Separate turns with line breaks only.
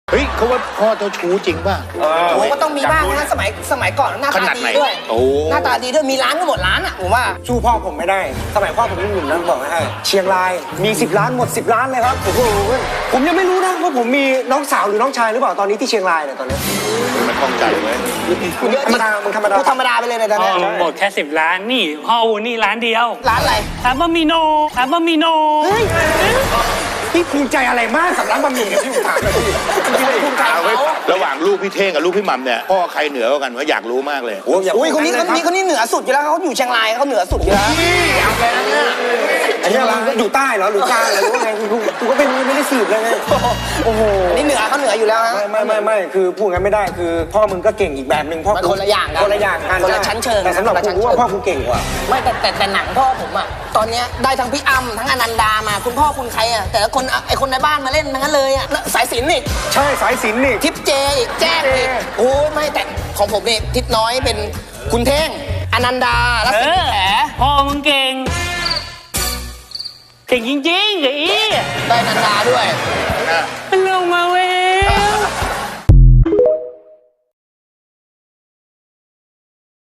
เฮ้ยเขาว่าพ่อเจ้าชู้จริงป่ะ
โอ้ก็ต้องมีบ้างนะสมัยก่อนหน้า
ข
ตา
นาด
ดี
ไหน
ด้วย
โอ้
หน้าตาดีด้วยมีร้านก็หมดร้านอ่ะผมว่า
สู้พ่อผมไม่ได้ สมัยพ่อผมยังหนุ่มนะบอกให้เชียงรายมี10 ล้านหมด10 ล้านเลยครับโอ้โหผมยังไม่รู้นะว่าผมมีน้องสาวหรือน้องชายหรือเปล่าตอนนี้ที่เชียงรายเนี่ยตอนนี้
มันคล่องใจไว้
เยอะ
ธรรมดามึงธรรมดา
กูธรรมดาไปเลยในตอน
พ่อ
นี้
หมดแค่10 ล้านนี่พ่ออูนี่ร้านเดียว
ร้านอะไร
ร้านบะหมี่โนร้านบะหมี่โน
พี่ภูมิใจอะไรมากกับร้านบะหมี่เนี่ยพี่ผมถามเลยพี่ภูมิใจ
เอาไว้ระหว่างลูกพี่เท่งกับลูกพี่หม่ำเนี่ยพ่อใครเหนือกว่ากันวะอยากรู้มากเลย
โอ้ยอย่า
อุ้ยคนนี้
พูด
คนนี้เหนือสุดอยู่แล้วเขาอยู่เชียงรายเขาเหนือสุดอยู่แล้ว
อันนี้เราอยู่ใต้เหรอหรือใต้เหรอหรือว่าไงกูก็ไม่ได้สืบเลยไงโอ้โห
อันนี้เหนือเขาเหนืออยู่แล้วฮะ
ไม่คือพูดงั้นไม่ได้คือพ่อมึงก็เก่งอีกแบบหนึ่งพ่อ
มันคนละอย่างกัน
คนละอย่างกัน
คนละชั้นเชิง
แต่สำหรับ
คนละชั้น
กูว่า
เชิง
พ่อกูเก่งกว่า
ไม่แต่หนังพ่อผมอ่ะตอนเนี้ยได้ทั้งพี่อ้ำทั้งอนันดามาคุณพ่อคุณใครอ่ะแต่ละคนไอคนในบ้านมาเล่นทั้งนั้นเลยอ่ะสายสิญจน์อีก
ใช่สายสิญจน์นี่
ทิปเจอีกแจ้งอีกโอ้ยไม่แต่ของผมนี่ทิศน้อยเป็นคุณเท่งอนันดาแล้ว
เอ
สิ
อ
แผล
พ่อมึงเก่งเก่งจริงๆไอ้อี
ได้อนันดาด้วย
มันลงมาเว